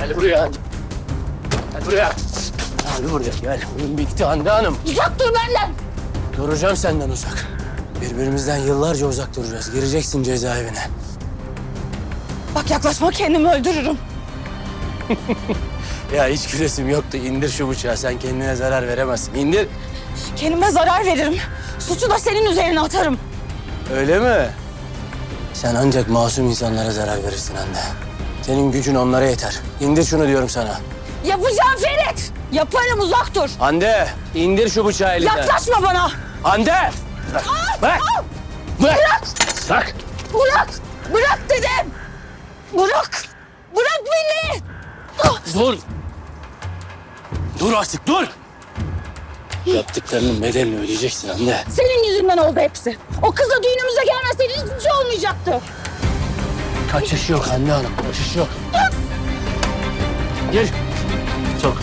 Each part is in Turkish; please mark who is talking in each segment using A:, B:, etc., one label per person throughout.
A: Gel buraya. Gel buraya. Gel buraya gel. Oyun bitti Hande Hanım.
B: Uzak dur benden.
A: Duracağım senden uzak. Birbirimizden yıllarca uzak duracağız. Gireceksin cezaevine.
B: Bak yaklaşma, kendimi öldürürüm.
A: Ya hiç gülesim yoktu. İndir şu bıçağı. Sen kendine zarar veremezsin. İndir.
B: Kendime zarar veririm. Suçu da senin üzerine atarım.
A: Öyle mi? Sen ancak masum insanlara zarar verirsin Hande. Senin gücün onlara yeter. İndir şunu diyorum sana.
B: Yapacağım Ferit. Yaparım, uzak dur.
A: Hande, indir şu bıçağı elinden.
B: Yaklaşma bana.
A: Hande! Bırak! Bırak! Bırak! Bırak!
B: Bırak. Bırak dedim. Bırak. Bırak beni.
A: Dur! Dur artık, dur! Yaptıklarının bedelini ödeyeceksin Hande.
B: Senin yüzünden oldu hepsi. O kızla düğünümüze gelmeseydin hiçbir şey olmayacaktı.
A: Kaçış yok Hande Hanım, kaçış yok. Gir. Sok.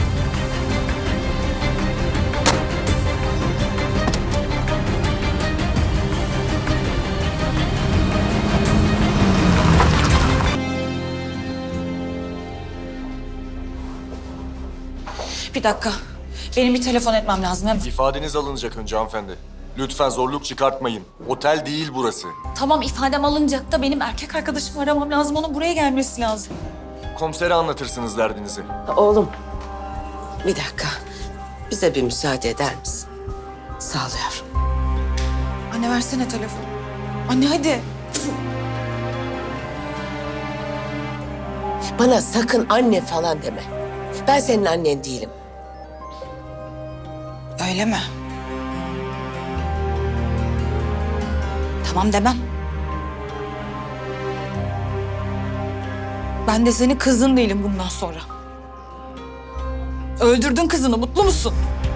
B: Bir dakika. Benim bir telefon etmem lazım hemen.
C: İfadeniz alınacak önce hanımefendi. Lütfen zorluk çıkartmayın. Otel değil burası.
B: Tamam, ifadem alınacak da benim erkek arkadaşımı aramam lazım. Onun buraya gelmesi lazım.
C: Komisere anlatırsınız derdinizi.
D: Oğlum, bir dakika. Bize bir müsaade eder misin? Sağ ol yavrum.
B: Anne versene telefonu. Anne hadi.
D: Bana sakın anne falan deme. Ben senin annen değilim.
B: Öyle mi? Tamam demem. Ben de senin kızın değilim bundan sonra. Öldürdün kızını, mutlu musun?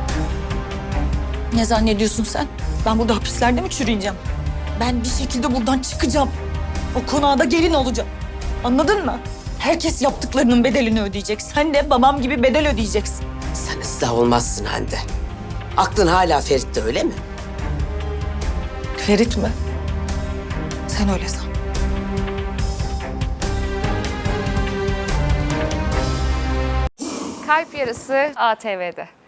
B: Ne zannediyorsun sen? Ben burada hapislerde mi çürüyeceğim? Ben bir şekilde buradan çıkacağım. O konağa da gelin olacağım. Anladın mı? Herkes yaptıklarının bedelini ödeyecek. Sen de babam gibi bedel ödeyeceksin.
D: Sen ıslah olmazsın Hande. Aklın hala Ferit'te öyle mi?
B: Ferit mi? Sen öyle san.
E: Kalp Yarısı ATV'de.